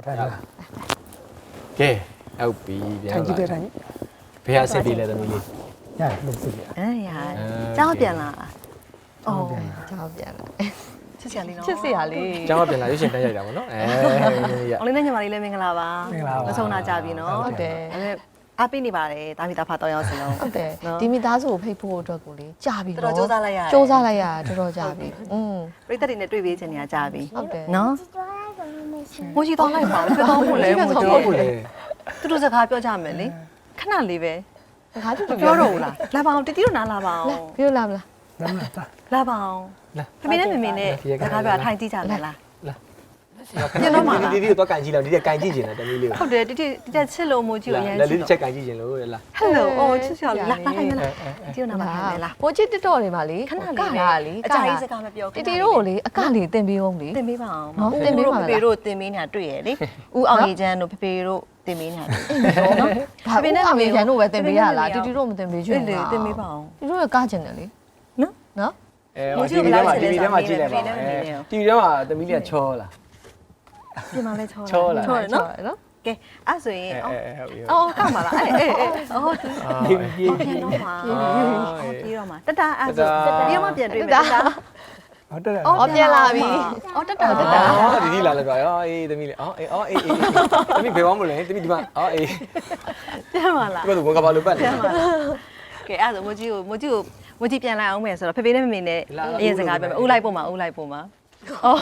ကဲဟုတ်ပြီပြန်လာဘယ်ဟာစစ်ပြီးလဲသမီးလေးရတယ်လို့စစ်ပြကျောင်းပြန်လာအော်ကြောက်ပြန်လာချစ်စရာလေးနော်ချစ်စရာလေးကျောင်းကပြန်လာရွှေရှင်တက်ရိုက်တာပေါ့နော်အောင်လေးနဲ့ညီမလေးလည်းမင်္ဂလာပါမဆုံးတာကြပြီနော်ဟုတ်တယ်အားပေးနေပါတယ်တာမီတာဖာတော့ရောက်စီလုံးဟုတ်တယ်ဒီမိသားစုကိုဖိတ်ဖို့အတွက်ကိုလေကြာပြီတော်တော်စူးစမ်းလိုက်ရတယ်စူးစမ်းလိုက်ရတော်တော်ကြာပြီပရိသတ်တွေနဲ့တွေ့ပေးချင်နေတာကြပြီဟုတ်တယ်နော်မိုးကြီးတော့လိုက်ပါဦးပြောဖို့လဲမိုးကြီးဟုတ်ဘူးလေတူတူစကားပြောကြမယ်လေခဏလေးပဲတခါတူပြောတော့ဘူးလားလာပါအောင်တတိတို့နားလာပါအောင်ပြောလာမလားလမ်းလာတာလာပါအောင်ဖမေနဲ့မမေနဲ့စကားပြောထိုင်ကြည့်ကြမယ်လားပြန်တော့မှာဒီတော့ကန်ကြည့်လောက်ဒီကကန်ကြည့်ကျင်တယ်တမီးလေးဟုတ်တယ်တိတက်ချစ်လို့မိုးကြီးကိုအရင်လက်လေးတစ်ချက်ကန်ကြည့်ကျင်လို့လားဟယ်လိုအော်ချစ်စရာလာလာလိုက်မလားဒီနားမှာထိုင်လားပိုချစ်တက်တော့နေပါလေခဏလေးလာလေအကြာကြီးစကားမပြောတီတီတို့ကိုလေအကလေးတင်ပေးအောင်လေတင်ပေးပါအောင်နော်တင်ပေးပါလားဖေဖေတို့တင်ပေးနေတာတွေ့ရလေဦးအောင်ရီချမ်းတို့ဖေဖေတို့တင်ပေးနေတာတွေ့နော်ဘာပဲနဲ့အမေရန်တို့ပဲတင်ပေးရလားတီတီတို့မတင်ပေးချင်ဘူးလေတင်ပေးပါအောင်တီတီတို့ကကျင်တယ်လေနော်နော်တီဗီထဲမှာကြည့်လိုက်ပါတီဗီထဲမှာသမီးလေးကချောလားပြင်มาလဲချောချောလားချောတယ်နော်နော်ကဲအဲ့ဆိုရင်ဟုတ်ပြီအော်ကောက်ပါလားအေးအော်ပြေးပြေးပြန်တော့မှာပြီးတော့မှာတတအဲ့ဆိုပြီးမှပြန်တွေ့မယ်တတဟုတ်တယ်အော်ပြန်လာပြီအော်တတဒီဒီလာလဲပြောအေးသမီးလေးအေးသမီးဘယ်သွားမလဲသမီးဒီမှာအေးပြန်ပါလားဒီကတော့ကဘာလို့ပတ်လဲပြန်ပါလားကဲအဲ့ဆိုမိုးကြီးပြန်လာအောင်မယ်ဆိုတော့ဖေဖေနဲ့မမေနဲ့အရင်စကားပြောမယ်ဦးလိုက်ပို့မှာအော်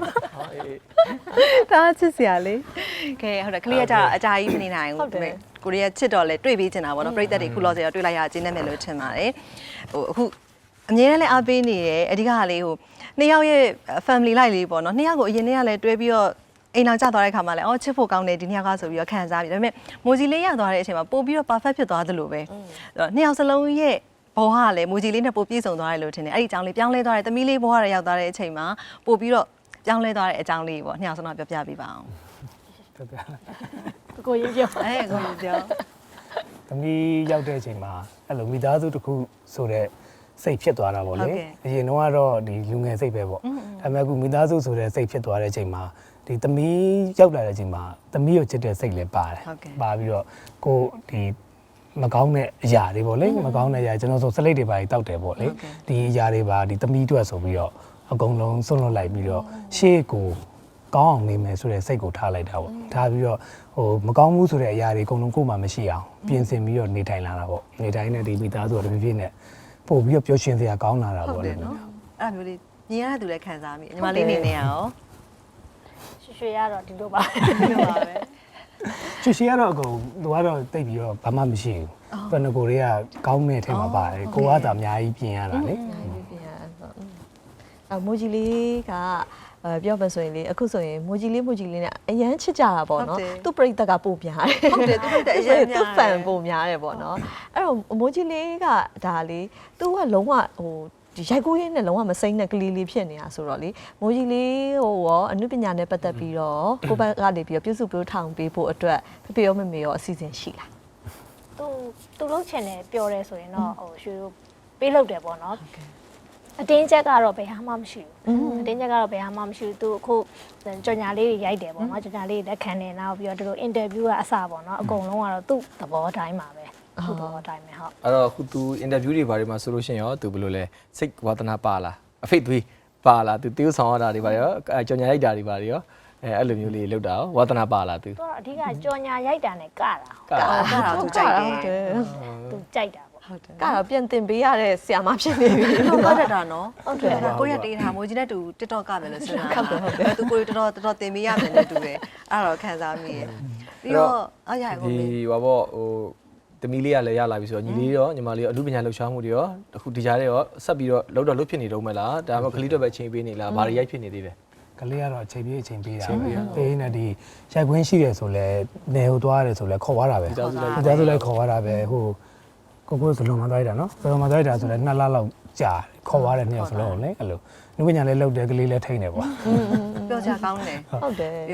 ဒါချစ်စရာလေးကဲဟုတ်တယ်ကလေးကကြတော့အကြာကြီးမနေနိုင်ဘူးကိုရီးယားချစ်တော့လဲတွေ့ပေးချင်တာပေါ့နော်ပြိသက်တွေခုလောဆယ်တော့တွေ့လိုက်ရကျင်းနေမယ်လို့ထင်ပါတယ်ဟိုအခုအမြဲတမ်းလဲအားပေးနေတယ်အဓိကကလေးဟိုနှစ်ယောက်ရဲ့ family life လေးပေါ့နော်နှစ်ယောက်ကိုအရင်နေ့ကလည်းတွဲပြီးတော့အိမ်အောင်ကျသွားတဲ့ခါမှာလည်းအော်ချစ်ဖို့ကောင်းတယ်ဒီနှစ်ယောက်ကဆိုပြီးတော့ခံစားပြီးဒါပေမဲ့မိုဂျီလေးရသွားတဲ့အချိန်မှာပို့ပြီးတော့ perfect ဖြစ်သွားသလိုပဲနှစ်ယောက်စလုံးရဲ့ဘောကလည်းမိုဂျီလေးနဲ့ပို့ပြည့်စုံသွားတယ်လို့ထင်တယ်အဲ့ဒီအကြောင်းလေးပြောင်းလဲသွားတယ်သမီးလေးဘောကလည်းရောက်သွားတဲ့အချိန်မှာပို့ပြီးတော့ပြောင်းလဲသွားတဲ့အကြောင်းလေးပေါ့နှစ်ယောက်စလုံးပြောပြပေးပါအောင်ဟုတ်တယ်ကိုရင်ပြောကိုပြောသမီးရောက်တဲ့အချိန်မှာအဲ့လိုမိသားစုတစ်ခုဆိုတဲ့စိတ်ဖြစ်သွားတာပေါ့လေအရင်တော့ကတော့ဒီလူငယ်စိတ်ပဲပေါ့ဒါပေမဲ့အခုမိသားစုဆိုတဲ့စိတ်ဖြစ်သွားတဲ့အချိန်မှာဒီသမီးရောက်လာတဲ့အချိန်မှာသမီးကိုချစ်တဲ့စိတ်လည်းပါတယ်ပါပြီးတော့ကိုဒီမကောင်းတဲ့အရာတွေပေါ့လေမကောင်းတဲ့အရာကျွန်တော်ဆိုစလိတ်တွေပါတောက်တယ်ပေါ့လေဒီအရာတွေပါဒီသမီးအတွက်ဆိုပြီးတော့အကုန်လုံးစွန့်လွတ်လိုက်ပြီးတော့ရှေ့ကိုကောင်းအောင်နေမယ်ဆိုတဲ့စိတ်ကိုထားလိုက်တာပေါ့ထားပြီးတော့ဟိုမကောင်းဘူးဆိုတဲ့အရာတွေအကုန်လုံးကိုယ်မှမရှိအောင်ပြင်ဆင်ပြီးတော့နေထိုင်လာတာပေါ့နေတိုင်းနဲ့ဒီမိသားစုကတဖြည်းဖြည်းနဲ့ပို့ပြီးတော့ပျော်ရွှင်စရာကောင်းလာတာပေါ့လေနော်အဲ့လိုမျိုးလေးမြင်ရတဲ့သူလည်းခံစားမိညီမလေးနေနေရအောင်ရွှေရတော့ဒီလိုပါဒီလိုပါပဲချွေရှိရတော့အကုန်သူကတော့တိတ်ပြီးတော့ဘာမှမရှိဘူးဘယ်နှကိုတွေကကောင်းတဲ့ထဲမှာပါတယ်ကိုကသာအများကြီးပြင်ရတာလေမိုဂျီလေးကပြောပါဆိုရင်လေအခုဆိုရင်မိုဂျီလေးနဲ့အရန်ချစ်ကြတာပေါ့နော်သူ့ပြိတ္တကပို့ပြားတယ်ဟုတ်တယ်သူတို့တဲ့အရင်သူ့ဖန်ပို့များတယ်ပေါ့နော်အဲ့တော့မိုဂျီလေးကဒါလေသူကလုံးဝဟိုဒီရိုက်ကူးရင်းနဲ့လုံးဝမစိမ့်တဲ့ကလေးလေးဖြစ်နေတာဆိုတော့လေမိုဂျီလေးဟိုရောအနုပညာနဲ့ပတ်သက်ပြီးတော့ကိုဘက်ကနေပြီးတော့ပြုစုပြောထောင်ပေးဖို့အတွက်ဖေရောမမေရောအစီအစဉ်ရှိလားသူလုံးချင်တယ်ပြောတယ်ဆိုရင်တော့ဟိုရွှေတို့ပေးလုပ်တယ်ပေါ့နော်အတင်းချက်ကတော့ဘယ်ဟာမှမရှိဘူးအတင်းချက်ကတော့ဘယ်ဟာမှမရှိဘူးသူအခုကြော်ညာလေးတွေရိုက်တယ်ပေါ့နော်ကြော်ညာလေးတွေလက်ခံနေနောက်ပြီးတော့သူတို့အင်တာဗျူးကအစပေါ့နော်အကုန်လုံးကတော့သူ့သဘောတိုင်းပါပဲသူ့သဘောတိုင်းပဲဟုတ်အဲ့တော့ခု तू interview တွေဘာတွေမှာဆိုလို့ရှိရင်ရော तू ဘယ်လိုလဲစိတ်ဝါသနာပါလားအဖိတ်သွေးပါလား तू တေးဆောင်ရတာတွေပါရောကြော်ညာရိုက်တာတွေပါရောအဲ့လိုမျိုးလေးလောက်တာရောဝါသနာပါလား तू သူကတော့အဓိကကြော်ညာရိုက်တာနဲ့ကတာကာသူကြိုက်တယ်သူကြိုက်တာပေါ့ဟုတ်တယ်ကတော့ပြန်တင်ပေးရတဲ့ဆရာမဖြစ်နေပြီဟုတ်ပါတယ်တာနော်ဟုတ်တယ်ကိုရတေးထားမိုးကြီးနဲ့တူ TikTok ကပဲလို့စဉ်းစားတာသူကိုတော်တော်တင်ပေးရမယ်နဲ့တူတယ်အဲ့တော့ခံစားမိရဲ့ပြီးတော့အားရကိုဒီဟိုဘောဟိုသမီးလေးကလည်းရလာပြီဆိုတော့ညီလေးရောညီမလေးရောအမှုပညာလှူရှားမှုတွေရောအခုဒီကြားထဲရောဆက်ပြီးတော့လှုပ်ဖြစ်နေတော့မလားဒါမှမဟုတ်ကလေးတော့ပဲချိန်ပေးနေလားဘာတွေရိုက်ဖြစ်နေသေးလဲကလေးကတော့အချိန်ပေးတာပေးနေဒီရိုက်ခွင်းရှိတယ်ဆိုလဲနေဟိုသွားရတယ်ဆိုလဲခေါ်သွားတာပဲကြားစုလိုက်ခေါ်သွားတာပဲဟိုကိုစလုံးမသွားရတာနော်စလုံးမသွားရတာဆိုလဲ2လလောက်ကြာခေါ်သွားတယ်နှစ်ယောက်စလုံးလေအဲ့လိုနှုတ်ပညာလေးလှုပ်တယ်ကလေးလည်းထိနေပေါ့ပြောချကောင်းတယ်ဟုတ်တယ်ပြီးအဲ့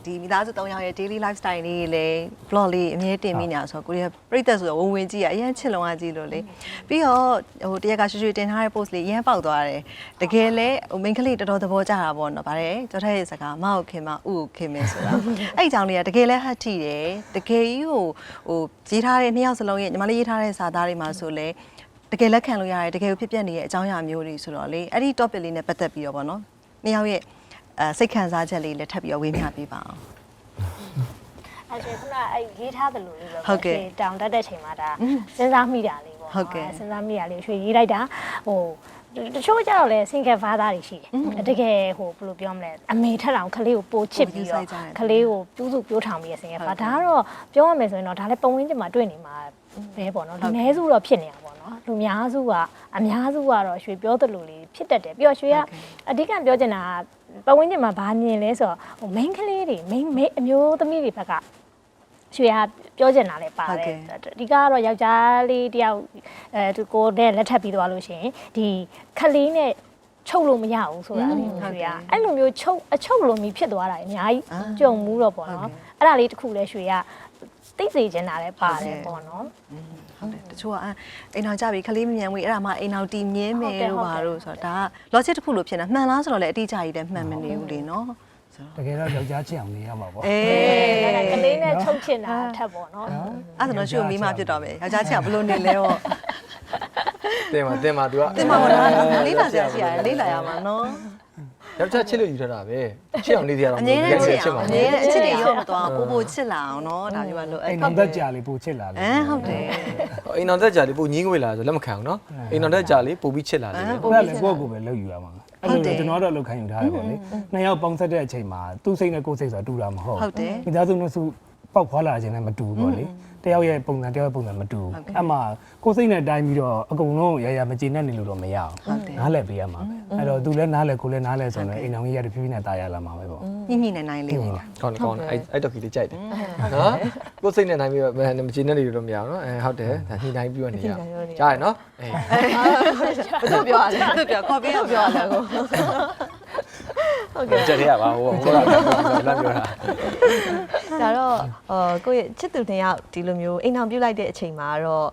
ဒီမိသားစု3ယောက်ရဲ့ daily lifestyle လေးလေ vlog လေးအမြဲတင်မိနေတာဆိုတော့ကိုရီးယားပြည်သက်ဆိုတော့ဝင်ကြည့်ရအရင်ချစ်လုံးအားကြီးလို့လေပြီးတော့ဟိုတရက်ကရွှေရွှေတင်ထားတဲ့ post လေးအရင်ပေါက်သွားတယ်တကယ်လဲဟို main ကလေးတော်တော်သဘောကျတာပေါ့နော်ဗါတယ်ကျော်ထက်ရဲ့စကားမဟုတ်ခင်မဥကိုခင်မဆိုတာအဲ့အကြောင်းလေးကတကယ်လဲဟတ်ထိတယ်တကယ်ကြီးဟိုရေးထားတဲ့2ယောက်စလုံးရဲ့ညီမလေးရေးထားတဲ့စာသားတွေမှာဆိုလဲတကယ်လက်ခံလို့ရတယ်တကယ်ဖြစ်ပျက်နေတဲ့အကြောင်းအရာမျိုးတွေဆိုတော့လေအဲ့ဒီ topic လေးနဲ့ပတ်သက်ပြီးတော့ပေါ့နော်2ယောက်ရဲ့စိတ်ခံစားချက်လေးလည်းထပ်ပြီးတော့ဝေမျှပေးပါအောင်အဲ့ဆိုခုနအဲ့ရေးထားတယ်လို့လေပေါ့တောင်တက်တဲ့ချိန်မှာဒါစဉ်းစားမိတာလေးပေါ့စဉ်းစားမိတာလေးရွှေရေးလိုက်တာဟိုတချို့ကြတော့လေ single father တွေရှိတယ်တကယ်ဟိုဘယ်လိုပြောမလဲအမေထက်တောင်ကလေးကိုပိုချစ်ပြီးတော့ကလေးကိုပြူးစုပြိုးထောင်ပြီးရ single father ဒါကတော့ပြောရမယ်ဆိုရင်တော့ဒါလည်းပုံရင်းချင်းမှာတွေ့နေမှာပဲပေါ့နော်လူနည်းစုတော့ဖြစ်နေတာပေါ့နော်လူများစုကအများစုကတော့ရွှေပြောသလိုလေးဖြစ်တတ်တယ်ပြီးတော့ရွှေကအဓိကပြောချင်တာပတ်ဝန်းကျင်မှာဘာမြင်လဲဆိုတော့ဟို main ကလေးတွေ main အမျိုးသမီးတွေဘက်ကရွှေကပြောချင်တာလည်းပါတယ်ဒီကတော့ယောက်ျားလေးတယောက်သူကိုနဲ့လက်ထပ်ပြီးသွားလို့ရှိရင်ဒီခလေးနဲ့ချုပ်လို့မရဘူးဆိုတာလေးရွှေကအဲ့လိုမျိုးအချုပ်လိုမျိုးဖြစ်သွားတာအများကြီးကြုံမှုတော့ပေါ့နော်အဲ့ဒါလေးတစ်ခုလည်းရွှေကသိစေချင်တာလည်းပါတယ်ပေါ့နော်ဟုတ်တယ်တချို့ကအိမ်အောင်ကြပြီခလေးမမြန်ဝေးအဲ့ဒါမှအိမ်အောင်တီမြင်းမယ်လို့ပါလို့ဆိုတော့ဒါက logic တစ်ခုလို့ဖြစ်နေမှန်လားဆိုတော့လည်းအတိအကျကြီးလည်းမှန်မနေဘူးလေနော်တကယ်တော့ယောက်ျားချစ်အောင်နေရမှာပေါ့ကလေးနဲ့ချုပ်ချင်တာထက်ပေါ့နော်အဲ့ဒါတော့ရွှေမိမဖြစ်တော့ပဲယောက်ျားချစ်အောင်ဘလို့နေလဲပေါ့တင်ပါ तू ကတင်ပါတော့လေးလာစရာရှိရတယ်လေးလာရမှာနော်ယောက်ျားချစ်လို့ယူထားတာပဲချစ်အောင်နေစရာတော့အငြင်းနဲ့ချစ်မှာအငြင်းနဲ့အချစ်တွေရောမသွားပိုချစ်လာအောင်နော်ဒါမျိုးပါလို့အိမ်အောင်သက်ကြာလေးပိုချစ်လာလေဟုတ်တယ်အိမ်အောင်သက်ကြာလေးပိုညင်းငွေလာဆိုလက်မခံဘူးနော်အိမ်အောင်သက်ကြာလေးပိုပြီးချစ်လာလေအဲ့ဒါလည်းကိုယ့်ကိုယ်ပဲလုပ်ယူရမှာအဲ့လိုကျွန်တော်တော့လုပ်ခိုင်းယူထားတယ်ပေါ့လေနှစ်ယောက်ပေါင်းဆက်တဲ့အချိန်မှာသူ့စိတ်နဲ့ကိုယ်စိတ်ဆိုတာတူတာမဟုတ်မိသားစုနှစ်စုပေါက်ဖွာလာခြင်းလည်းမတူဘူးပေါ့လေတယောက်ရဲ့ပုံစံတယောက်ရဲ့ပုံစံမတူအဲ့မှာကိုယ်စိတ်နဲ့တိုင်းပြီးတော့အကုန်လုံးရမကျေနပ်နေလို့တော့မရအောင်နားလည်ပေးရမှာပဲအဲ့တော့သူလည်းနားလည်ကိုလည်းနားလည်ဆိုတော့အိမ်အောင်ကြီးရတဖြည်းဖြည်းနဲ့တာရလာမှာပဲပေါ့ညှိနိုင်လေးပေါ့ကောင်းအဲ့တော့ကြီးလေးကြိုက်တယ်နော်ကိုယ်စိတ်နဲ့နိုင်ပြီးတော့မကျေနပ်နေလို့တော့မရအောင်နော်ဟုတ်တယ်ဒါညှိနိုင်ပြီးတော့နေရကြားရနော်အေးဘယ်သူပြောရလဲသူပြောခေါ်ပြီးတော့ပြောရလဲကိုဟုတ်ကဲ့ကြက်ရပါဟိုလာပြောတာဒါတော့ကိုယ့်ရဲ့ချစ်သူ2ယောက်ဒီလိုမျိုးအိမ်အောင်ပြုတ်လိုက်တဲ့အချိန်မှာတော့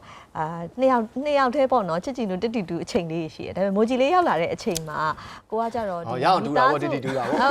2ယောက်တည်းပေါ့နော်ချစ်ကြည်လို့တစ်တီတူအချိန်လေးရှိတယ်ဒါပေမဲ့မိုဂျီလေးရောက်လာတဲ့အချိန်မှာကိုကကြတော့ဒီရောက်တူတာပေါ့တစ်တီတူတာပေါ့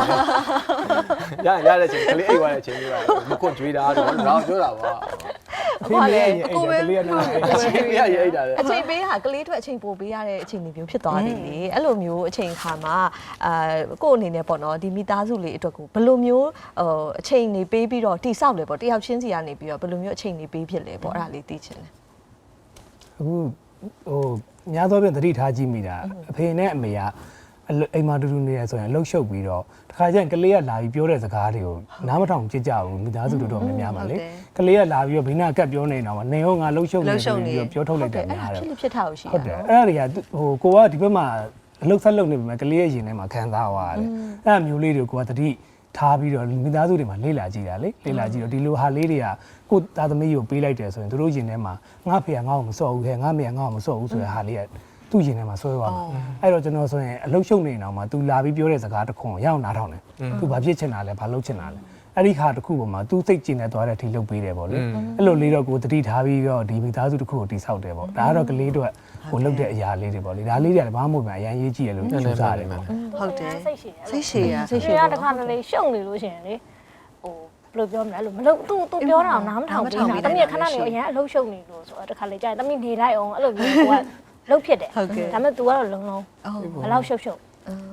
ရတဲ့ချိန်ကလေးအိတ်သွားတဲ့အချိန်လေးကမခွတ်ကြွေးတာတော့တော့ပြောတာပေါ့ဖေးလေးရဲ့အိတ်ကလေးကလည်းအချိန်ပေးရရိတ်တာလေအချိန်ပေးဟာကလေးထွက်အချိန်ပိုပေးရတဲ့အချိန်မျိုးဖြစ်သွားတယ်လေအဲ့လိုမျိုးအချိန်ခါမှာကို့အနေနဲ့ပေါ့နော်ဒီမိသားစုလေးအတွက်ကိုဘယ်လိုမျိုးအချိန်နေပေးပြီးတော့တိဆောက်လဲပေါ့တယောက်ချင်းစီကနေပြီးတော့ဘယ်လိုမျိုးအချိန်နေပေးဖြစ်လဲပေါ့အဲ့ဒါလေးသိချင်တယ်အခုဟိုများသောဖြင့်သတိထားကြည့်မိတာအဖေနဲ့အမေကအိမ်မှာတူတူနေရဆိုရင်လှုပ်ရှုပ်ပြီးတော့တခါကျရင်ကလေးကလာပြီးပြောတဲ့စကားတွေကိုနားမထောင်ကြည့်ကြဘူးမိသားစုတို့တော့များများပါလေကလေးကလာပြီးတော့ဘိနာကတ်ပြောနေတာမှာနေဟောငါလှုပ်ရှုပ်နေပြီးတော့ပြောထုတ်လိုက်တယ်များတယ်ဖြစ်ထားလို့ရှိဟုတ်တယ်အဲ့ဒါတွေကဟိုကိုကဒီဘက်မှာအလုတ်ဆက်လုပ်နေပြီမဲ့ကလေးရဲ့ရင်ထဲမှာခံစားသွားရတယ်အဲ့အမျိုးလေးတွေကိုကသတိထားပြီးတော့မိသားစုတွေမှာလေ့လာကြည့်တာလေလေ့လာကြည့်တော့ဒီလိုဟာလေးတွေကကိုသားသမီးကိုပေးလိုက်တယ်ဆိုရင်တို့ရင်ထဲမှာငါဖေကငါ့ကိုမစော့ဘူးခဲငါမေကငါ့ကိုမစော့ဘူးဆိုတဲ့ဟာလေးကသူ့ရင်ထဲမှာဆွဲသွားမှာအဲ့တော့ကျွန်တော်ဆိုရင်အလုတ်ရှုပ်နေအောင်မှာ तू လာပြီးပြောတဲ့စကားတစ်ခွန်းရအောင်နားထောင်တယ် तू ဘာဖြစ်ချင်တာလဲဘာလုပ်ချင်တာလဲအဲ့ဒီခါတစ်ခုပေါ်မှာ तू စိတ်ကျင်နေသွားတဲ့အထိလုပ်ပေးတယ်ပေါ့လေအဲ့လိုလေးတော့ကိုတတိထားပြီးတော့ဒီမိသားစုတစ်ခုကိုတိဆောက်တယ်ပေါ့ဒါကတော့ကလေးတို့ကိုလုပ်တဲ့အရာလေးတွေပေါ့လေဒါလေးတွေကဘာမှမဟုတ်ပါအရင်ရေးကြည့်ရလို့ယူဆတယ်ပေါ့ဟုတ်တယ်စိတ်ရှည်စိတ်ရှည်ရတခါတလေရှုံနေလို့ရှိရင်လေဟိုဘယ်လိုပြောမလဲအဲ့လိုမလုပ်သူပြောတာနားမထောင်ဘူး။တမီးခဏနေအရင်အလုပ်ရှုပ်နေလို့ဆိုတော့တခါလေကြာရင်တမီးနေလိုက်အောင်အဲ့လိုမျိုးကလှုပ်ဖြစ်တယ်ဒါပေမဲ့ तू ကတော့လုံးလုံးဘယ်လောက်ရှုပ်အဲ့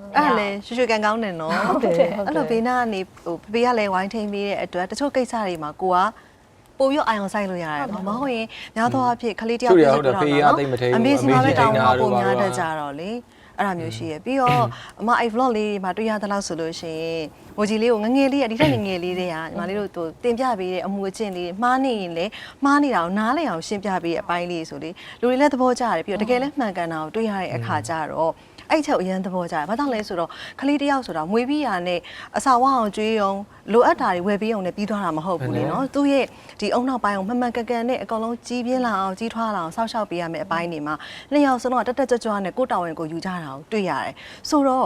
လေရွှေရွှေကန်ကောင်းတယ်နော်ဟုတ်တယ်အဲ့လိုဘေးနားကနေဟိုဖေကလည်းဝိုင်းထိန်ပေးတဲ့အတွက်တချို့ကိစ္စတွေမှာကိုကပို့ပြီးအာရုံစိုက်လို့ရတယ်မဟုတ်ရင်များသောအားဖြင့်ခလေးတယောက်ဖြစ်တော့အမေစီမပဲတောင်းတော့ပုံများတတ်ကြတော့လေအဲ့ဒါမျိုးရှိရပြီးတော့အမအဲ့ vlog လေးမှာတွေ့ရသလောက်ဆိုလို့ရှိရင်မိုဂျီလေးကိုငငယ်လေးဒီထက်ငငယ်လေးတွေကညီမလေးတို့တင်ပြပေးတဲ့အမှုအကျင့်လေးမှားနေရင်လည်းမှားနေတာကိုနားလည်အောင်ရှင်းပြပေးတဲ့အပိုင်းလေးဆိုလေလူတွေလည်းသဘောကျတယ်ပြီးတော့တကယ်လည်းမှန်ကန်တာကိုတွေ့ရတဲ့အခါကျတော့အဲ့ချက်အရင်သဘောကျတယ်။ဘာကြောင့်လဲဆိုတော့ခလေးတယောက်ဆိုတာမွေးပြီးရနဲ့အစာဝအောင်ကျွေးအောင်လိုအပ်တာတွေဝယ်ပြီးအောင်နဲ့ပြီးသွားတာမဟုတ်ဘူးလေနော်။သူ့ရဲ့ဒီအုံနောက်ပိုင်းအောင်မှန်မှန်ကန်ကန်နဲ့အကောင်လုံးကြီးပြင်းလာအောင်ကြီးထွားလာအောင်စောင့်ရှောက်ပေးရမယ့်အပိုင်းတွေမှာနှစ်ယောက်စလုံးကတက်တက်ကြွကြွနဲ့ကိုတောင်းဝင်ကိုယူကြတာကိုတွေ့ရတယ်။ဆိုတော့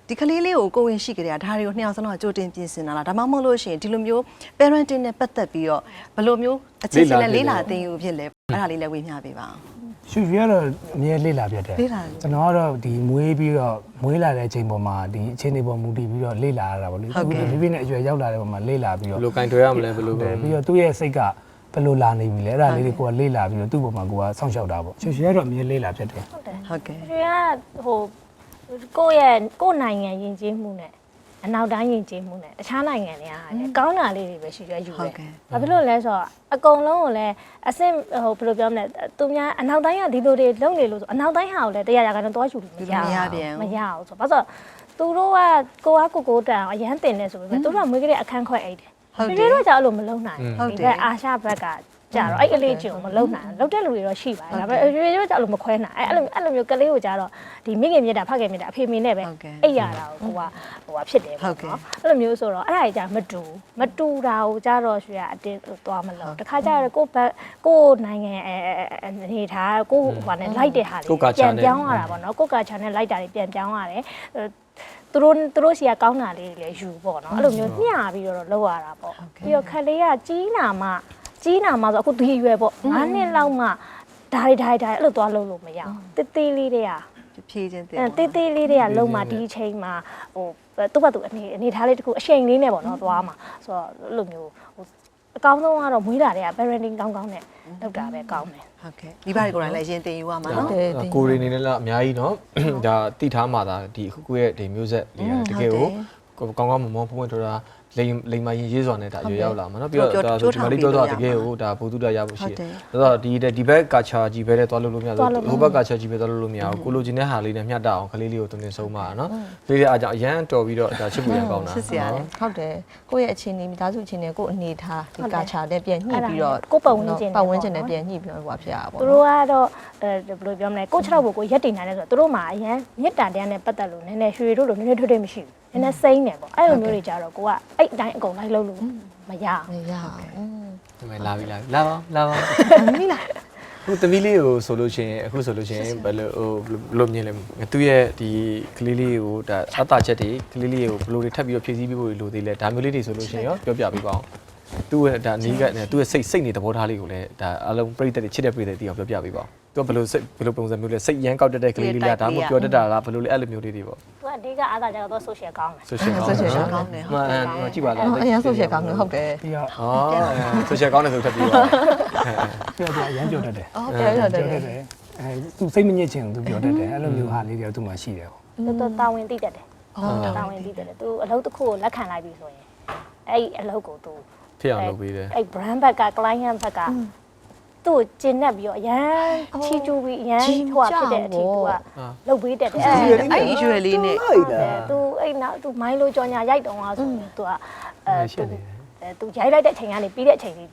ဒီကလေးလေးကိုကိုဝင်ရှိကြတယ်ဒါတွေကိုနှစ်ယောက်စလုံးကကြိုတင်ပြင်ဆင်တာလားဒါမှမဟုတ်လို့ရှိရင်ဒီလိုမျိုး parenting နဲ့ပတ်သက်ပြီးတော့ဘယ်လိုမျိုးအခြေအနေနဲ့လေးလာသင်ယူဖြစ်လဲအဲ့ဒါလေးလည်းဝေမျှပေးပါအောင်ရှူရတော့အမြဲလေးလာပြတ်တယ်ကျွန်တော်ကတော့ဒီမွေးပြီးတော့မွေးလာတဲ့အချိန်ပေါ်မှာဒီအချိန်တွေပေါ်မူတည်ပြီးတော့လေးလာရတာပေါ့လေဒီပြည့်နဲ့အရွယ်ရောက်လာတဲ့ပေါ်မှာလေးလာပြီးတော့ဘယ်လိုကင်တွယ်ရမလဲဘယ်လိုပြီးတော့သူ့ရဲ့စိတ်ကဘယ်လိုလာနေပြီလဲအဲ့ဒါလေးတွေကိုကလေးလာပြီးတော့သူ့ပေါ်မှာကိုကစောင့်ရှောက်တာပေါ့ရှူရတော့အမြဲလေးလာပြတ်တယ်ဟုတ်ကဲ့ကျွေးကဟိုကိုယ့်နိုင်ငံယဉ်ကျေးမှုနဲ့အနောက်တိုင်းယဉ်ကျေးမှုနဲ့တခြားနိုင်ငံတွေကလည်းကောင်းတာလေးတွေပဲရှိရယူတယ်။ဘာဖြစ်လို့လဲဆိုတော့အကုန်လုံးကိုလည်းအဆင့်ဟိုဘယ်လိုပြောမလဲသူများအနောက်တိုင်းကဒီလိုတွေလုပ်နေလို့ဆိုအနောက်တိုင်းဟာကိုလည်းတရားရကန်တော့ယူလို့မရဘူး။မရဘူးဆိုတော့ဘာလို့သူတို့ကကိုတန်အရန်တင်နေဆိုပေမဲ့သူတို့ကမွေးကလေးအခန်းခွဲအိတ်တယ်။ဟုတ်တယ်။တို့ကကြောက်လို့မလုံနိုင်ဘူး။ဒီဘက်အာရှဘက်ကကြတော့အဲ့အလေးကျုံမလုံနိုင်လုံတဲ့လူတွေတော့ရှိပါတယ်ဒါပေမဲ့တို့ကြောက်လို့မခွဲနိုင်အဲ့လိုမျိုးကလေးကိုကြတော့ဒီမိခင်မြတ်တာဖခင်မြတ်တာအဖေမေနဲ့ပဲအိတ်ရတာကိုဖြစ်တယ်ပေါ့နော်အဲ့လိုမျိုးဆိုတော့အဲ့ဒါကြီးကြမတူတာကိုကြတော့ရွှေကအတင်းသွားမလို့တခါကြတော့ကိုနိုင်ငံအနေထားကိုဟိုနဲ့လိုက်တဲ့ဟာလေးပြန်ပြောင်းရတာပေါ့နော်ကိုကာချာနဲ့လိုက်တာတွေပြန်ပြောင်းရတယ်သူတို့စီကကောင်းတာလေးတွေလည်းယူပေါ့နော်အဲ့လိုမျိုးညှာပြီးတော့လောက်ရတာပေါ့ပြီးတော့ခလေးကကြီးနာမှဆိုအခုဒီရွယ်ပေါ့9နှစ်လောက်မှဒါတွေအဲ့လိုသွားလို့မရအောင်တေးသေးလေးတွေကဖြည့်ချင်းတင်တေးသေးလေးတွေကလုံးမှဒီအချိန်မှာဟိုသူ့ဘက်သူအနေထားလေးတခုအချိန်လေးနဲ့ပေါ့နော်သွားမှာဆိုတော့အဲ့လိုမျိုးဟိုအကောင်းဆုံးကတော့မွေးတာတွေက parenting ကောင်းနဲ့လုပ်တာပဲကောင်းတယ်ဟုတ်ကဲ့ဒီဘာတွေကိုလည်းရင်တင်ယူရမှာနော်ကိုရီနေလည်းအများကြီးเนาะဒါတိထားမှသာဒီအခုရဲ့ဒီမျိုးဆက်လေးတကယ်ကိုကောင်းကောင်းမွန်မွန်ဖွင့်ထွန်းတာလိမ်မရင်ရေးစွာနဲ့ဒါရွေရောက်လာမှာเนาะပြီးတော့ဒါဆိုဒီမလေးပြောတော့တကယ်ကိုဒါဘူတုဒရဖို့ရှိတယ်ဆိုတော့ဒီဘက်ကာချာကြီးပဲနဲ့တွားလို့မရဘူးဟိုဘက်ကာချာကြီးပဲတွားလို့မရဘူးကိုလိုချင်တဲ့ဟာလေးနဲ့မျှတအောင်ကလေးလေးကိုတင်ဆုံးပါเนาะဒီလေးအားကြောင့်အရန်တော်ပြီးတော့ဒါချစ်ဖို့ရကောင်းတာချစ်စရာလေဟုတ်တယ်ကိုယ့်ရဲ့အခြေအနေမိသားစုအခြေအနေကိုအနေထားဒီကာချာနဲ့ပြန်ညှိပြီးတော့ကိုပတ်ဝန်းကျင်နဲ့ပြန်ညှိပြီးတော့ဟိုဖြစ်ရပါဘောသူတို့ကတော့ဘယ်လိုပြောမလဲကို6လောက်ကိုရက်တင်နိုင်တယ်ဆိုတော့သူတို့မှာအရန်မြစ်တာတရားနဲ့ပတ်သက်လို့နည်းနည်းရွှေတို့လိုနည်းနည်းထွတ်ထွတ်မရှိဘူးနည်းနည်းစိမ့်တယ်ပေါ့အဲ့လိုမျိုးတွေကြတော့ကိုကအဲ့အတိုင်းအကုန်လိုက်လို့မရအောင်မရအောင်ဒီမဲ့လာပါမိလားခုသမီးလေးကိုဆိုလို့ရှိရင်အခုဆိုလို့ရှိရင်ဘယ်လိုမြင်လဲသူ့ရဲ့ဒီကလေးလေးကိုဒါအတာချက်တွေကလေးလေးကိုဘယ်လိုတွေထပ်ပြီးတော့ဖြည့်ဆည်းပေးဖို့လိုသေးလဲဒါမျိုးလေးတွေဆိုလို့ရှိရင်ရောပြောပြပေးပါအောင်သူ့ရဲ့ဒါနီးကသူ့ရဲ့စိတ်နေသဘောထားလေးကိုလည်းဒါအလုံးပြိတ္တတွေချစ်တဲ့ပြိတ္တတွေအောင်ပြောပြပေးပါအောင်သူကဘယ်လိုပုံစံမျိုးလဲစိတ်ရမ်းကောက်တဲ့ကလေးလေးလားဒါမှမဟုတ်ပြောတတ်တာလားဘယ်လိုလဲအဲ့လိုမျိုးလေးတွေပေါ့သူကအဓိကအားသာကြတော့ social ကောင်းတယ် social ကောင်းတယ်မှန်ကြည့်ပါလားအရင်ဆိုရှယ်ကောင်းတယ်ဟုတ်တယ်ပြီးတော့ social ကောင်းတယ်ဆိုထပ်ပြီးပါပြီးတော့အရန်ပြောတတ်တယ်ဟုတ်တယ်ဟုတ်တယ်သူစိတ်မညစ်ချင်သူပြောတတ်တယ်အဲ့လိုမျိုးဟာလေးတွေသူမှရှိတယ်ပေါ့သူတာဝန်သိတတ်တယ်တာဝန်သိတတ်တယ်သူအလုပ်တစ်ခုကိုလက်ခံလိုက်ပြီဆိုရင်အဲ့အလုပ်ကိုသူဖြစ်အောင်လုပ်ပေးတယ်အဲ့ brand ဘက်က client ဘက်ကသူ့ကျင်납ပြီးတော့အရန်ချီကျူပြီးအရန်ဟိုဖြစ်တဲ့အထိသူကလုပ်ပေးတတ်တယ်အဲ့ဒီရွယ်လေးနဲ့သူအဲ့နောက်သူမိုင်းလိုကြော်ညာရိုက်တုံးသွားဆိုရင်သူကသူရိုက်လိုက်တဲ့အချိန်ကနေပြီးတဲ့အချိန်ဒီ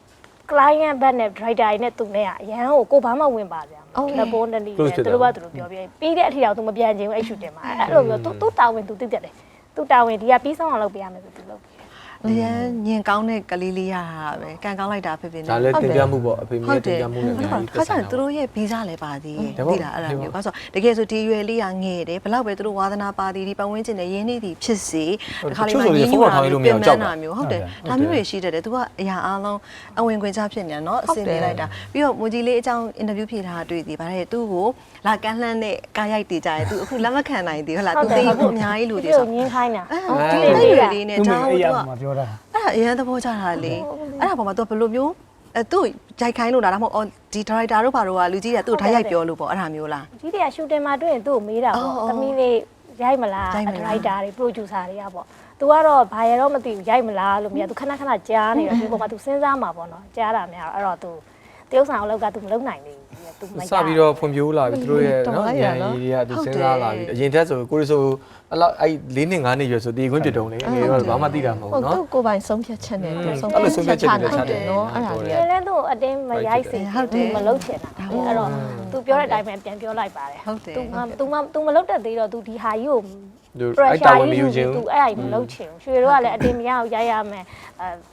client ဘက်နဲ့ driver နဲ့သူနဲ့ကအရန်ကိုဘာမှဝင်ပါဗျာလက်ပေါ်နဲ့သူတို့ကသူတို့ပြောပြီးတဲ့အထိတော့သူမပြန်ချင်ဘူးအဲ့ရှူတင်မှာအဲ့လိုမျိုးသူတာဝန်သူသိတတ်တယ်သူတာဝန်ဒီကပြီးဆုံးအောင်လုပ်ပေးရမယ်ဆိုသူလုပ်ပေးအရန်ညင်ကောင်းတဲ့ကလေးလေးရတာပဲကန်ကောင်းလိုက်တာဖြစ်ဖြစ်နေဒါလည်းတင်ပြမှုပေါ့အဖေမေတင်ပြမှုနဲ့အများကြီးခါကျရင်သူတို့ရဲ့ဗီဇလည်းပါသေးတယ်သိလားအဲ့ဒါမျိုးဘာလို့တကယ်ဆိုဒီရွယ်လေးကငယ်တယ်ဘလောက်ပဲသူတို့ဝါသနာပါသည်ဒီပတ်ဝန်းကျင်နဲ့ရင်းနှီးသည်ဖြစ်စေတခါလေးမှရင်းနှီးတာမျိုးပြင်ပန်းတာမျိုးဟုတ်တယ်ဒါမျိုးတွေရှိတတ်တယ်သူကအရာအားလုံးအဝင်ခွင့်ချဖြစ်နေတာเนาะအစင်နေလိုက်တာပြီးတော့မူကြီးလေးအကြောင်းအင်တာဗျူးဖြေထားတာတွေ့သည်ဗါတဲ့သူ့ကိုလာကန်းလှမ်းတဲ့ကားရိုက်တည်ကြတယ်သူအခုလက်မခံနိုင်သေးဟုတ်လားသူသိဖို့အများကြီးလို့ဒီဆိုငင်းခိုင်းတာဒီရွယ်လေးနဲ့သူမကြောင်းအဲ့ရသူကမှာပြောတာအဲ့ဒါအရင်သဘောကျတာလေအဲ့ဒါပေါ်မှာ तू ဘယ်လိုမျိုးသူ့ဂျိုက်ခိုင်းလို့လားဒါမှမဟုတ်ဒီဒါရိုက်တာတို့ဘာတို့ကလူကြီးကသူ့ဓာတ်ရိုက်ပြောလို့ပေါ့အဲ့ဒါမျိုးလားကြီးတွေကရှူတင်မှာတွေ့ရင်သူ့ကိုမေးတာပေါ့သမီးလေးရိုက်မလားဒရိုက်တာတွေ producer တွေကပေါ့သူကတော့ဘာရတော့မသိဘူးရိုက်မလားလို့မြင်သူခဏခဏကြားနေတော့ဒီပေါ်မှာ तू စဉ်းစားမှာပေါ့နော်ကြားတာများတော့အဲ့တော့ तू တရုပ်ဆောင်အလုပ်က तू မလုပ်နိုင်ဘူး तू မရစပြီးတော့ဖွံ့ဖြိုးလာပြီသူတို့ရဲ့နော်ဉာဏ်ရည်တွေကသူစဉ်းစားလာပြီအရင်တက်ဆိုကိုရီဆိုအဲ့လောက်အဲ့4နှစ်5နှစ်ရွယ်ဆိုတည်ခွင့်ပြတုံးလေငယ်တော့ဘာမှသိတာမဟုတ်ဟုတ်နော်သူ့ကိုပိုင်ဆုံးဖြတ်ချက်နဲ့သူဆုံးအဲ့လိုဆုံးဖြတ်ချက်တွေချတယ်နော်အဲ့ဒါကြီးလည်းသူ့အတင်းမရိုက်စေမလုပ်ချင်တာအဲ့တော့ तू ပြောတဲ့အတိုင်းပဲပြန်ပြောလိုက်ပါတယ်ဟုတ်တယ် तू မလုပ်တတ်သေးတော့ तू ဒီဟာကြီးကိုအဲ့တာဝန်မယူခြင်း तू အဲ့အိမ်မလုပ်ချင်ဘူးရွှေတို့ကလည်းအတင်းမရအောင်ရိုက်ရမယ်ဗာ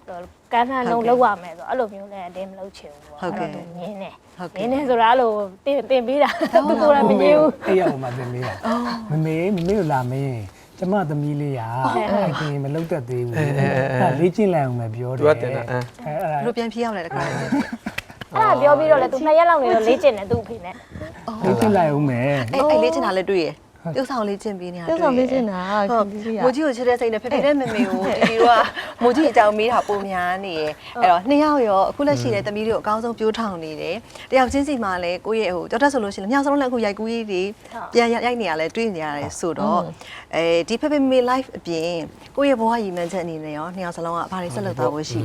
ကန်းထန်းလုံးလောက်ရမယ်ဆိုအဲ့လိုမျိုးလည်းအတင်းမလုပ်ချင်ဘူးပေါ့အဲ့တော့မြင်းနေမြင်းနေဆိုတာအဲ့လိုတင်ပေးတာသူကိုယ်လည်းမမြင်ဘူးအဲ့ရအောင်မတင်လေးမမေကိုလာမင်းကျမသမီးလေးရာအဲ့ကင်မလုပ်တတ်သေးဘူးအဲ့လေ့ကျင့်လိုက်အောင်ပဲပြောတယ်သူကတင်တာအဲ့တို့ပြန်ဖြေးရောက်လဲတခါအဲ့ဒါပြောပြီးတော့လေသူ2ရက်လောက်နေတော့လေ့ကျင့်တယ်သူ့အဖေနဲ့လေ့ကျင့်လိုက်အောင်မယ်အဲ့လေးချင်တာလည်းတွေ့ရပြုတ်ဆောင်လေးချင်းပေးနေတာပြုတ်ဆောင်ပေးနေတာဟုတ်မိုးကြီးကိုချစ်တဲ့စိတ်နဲ့ဖေဖေနဲ့မေမေကိုတီတီတို့ကမိုးကြီးအကြောင်းမေးတာပုံများနေရအဲ့တော့နှစ်ယောက်ရောအခုလက်ရှိတဲ့သမီးတွေကိုအကောင်းဆုံးပြိုးထောင်နေတယ်တယောက်ချင်းစီမှာလည်းကိုယ့်ရဲ့ဟိုကြောက်တတ်ဆိုလို့ရှိရင်ညောင်စလုံးလည်းအခုရိုက်ကူးကြီးတွေပြန်ရိုက်နေရလဲတွေ့နေရတယ်ဆိုတော့ဒီဖေဖေမေ live အပြင်ကိုယ့်ရဲ့ဘဝရည်မှန်းချက်အနေနဲ့ရောနှစ်ယောက်စလုံးကဘာတွေဆက်လုပ်သွားဖို့ရှိလဲ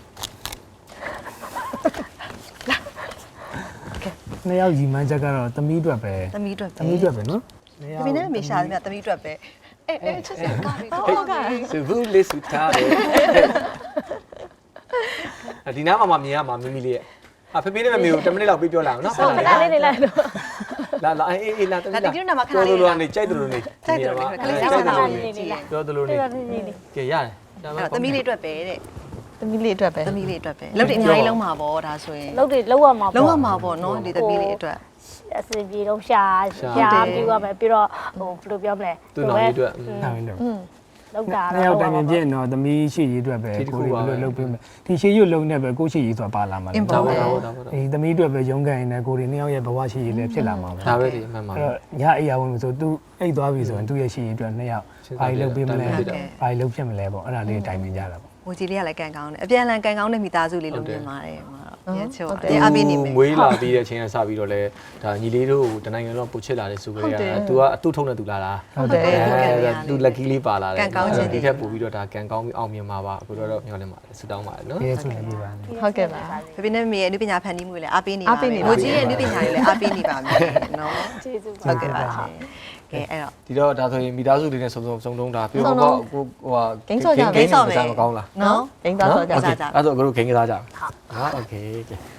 နှစ်ယောက်ညီမချက်ကတော့သမီးအတွက်ပဲသမီးအတွက်သမီးအတွက်ပဲနော်ဖေဖေနဲ့မေရှာတယ်မြသမီးအတွက်ပဲအဲ့ချစ်စကားလေးဟုတ်ကဲ့စဘူးလေးစုထားတယ်ဒီနားမှာမြင်ရမှာမမီလေးရဲ့ဖေဖေနဲ့မမေကို10မိနစ်လောက်ပြောလာအောင်နော်ဟုတ်ခဏလေးနေလိုက်တော့လာအေးလာတမီးဒီနေ့မှာခဏလေးပြောလို့နေကြိုက်တယ်လို့နေကြိုက်တယ်လို့ခလေးစားတာလေးပြောတယ်လို့နေကဲရတယ်သမီးလေးအတွက်ပဲတဲ့သမီးလေးအတွက်ပဲသမီးလေးအတွက်ပဲလုပ်တယ်အများကြီးလုံးမှာပေါ့ဒါဆိုရင်လုပ်တယ်လောက်ရမှာပေါ့လုံးဝမှာပေါ့နော်ဒီသမီးလေးအတွက်အစင်ပြေတော့ရှာပြီးသွားမယ်ပြီးတော့ဟိုဘယ်လိုပြောမလဲသူ့နောင်လေးအတွက်ဒါပဲလို့လောက်တာနှစ်ယောက်တိုင်ပင်ပြည့်တော့သမီးရှိရေးအတွက်ပဲကိုယ်ဘယ်လိုလုပ်ပေးမလဲဒီရှိရေးလုံးနဲ့ပဲကိုရှိရေးဆိုတာပါလာမှာလေဒါပေါ့ဒါပေါ့ဒီသမီးအတွက်ပဲရုန်းကန်နေကိုယ်တွေနှစ်ယောက်ရဲ့ဘဝရှိရေးလည်းဖြစ်လာမှာပဲဒါပဲဒီအမှန်ပါအဲ့တော့ညအိယာဝင်ဆိုသူအိတ်သွားပြီဆိုရင်သူ့ရဲ့ရှိရေးအတွက်နှစ်ယောက်ဘာလုပ်ပေးမလဲဘာလုပ်ဖြစ်မလဲပေါ့အဲ့ဒါလေးတိုင်ပင်ကြတာပေါ့ဟိုကြီးလေးကလည်းကန်ကောင်းတယ်အပြန်အလှန်ကန်ကောင်းတဲ့မိသားစုလေးလို့မြင်ပါတယ်ညချိုအပေးနေမယ်မွေးလာပြီးတဲ့အချိန်ကစပြီးတော့လဲဒါညီလေးတို့တနိုင်ငံလုံးပို့ချစ်လာတဲ့စုကလေးက तू ကအတူထုံးနေ तू လာတာဟုတ်တယ်သူ lucky လေးပါလာတယ်ဒီထက်ပို့ပြီးတော့ဒါကန်ကောင်းပြီးအောင်မြင်မှာပါအခုတော့မျှော်လင့်ပါတယ်ဆုတောင်းပါတယ်နော်ရဲဆိုလည်းပြပါမယ်ဟုတ်ကဲ့ပါဖေဖေနဲ့မေရဲ့အနုပညာဖန်တီးမှုလည်းအပေးနေပါမယ်မိုးကြီးရဲ့အနုပညာတွေလည်းအပေးနေပါမယ်နော်ကျေးဇူးပါဟုတ်ကဲ့ပါရှင်ကဲအဲ့တော့ဒီတော့ဒါဆိုရင်မိသားစုတွေနဲ့စုံတုံးတာပြီးတော့ကိုဟိုဟာဂိမ်းမကောင်းလားနော်ဂိမ်းသွားတော့ကြအဲ့တော့အခုဂိမ်းကစားကြအောင်ဟာโอเค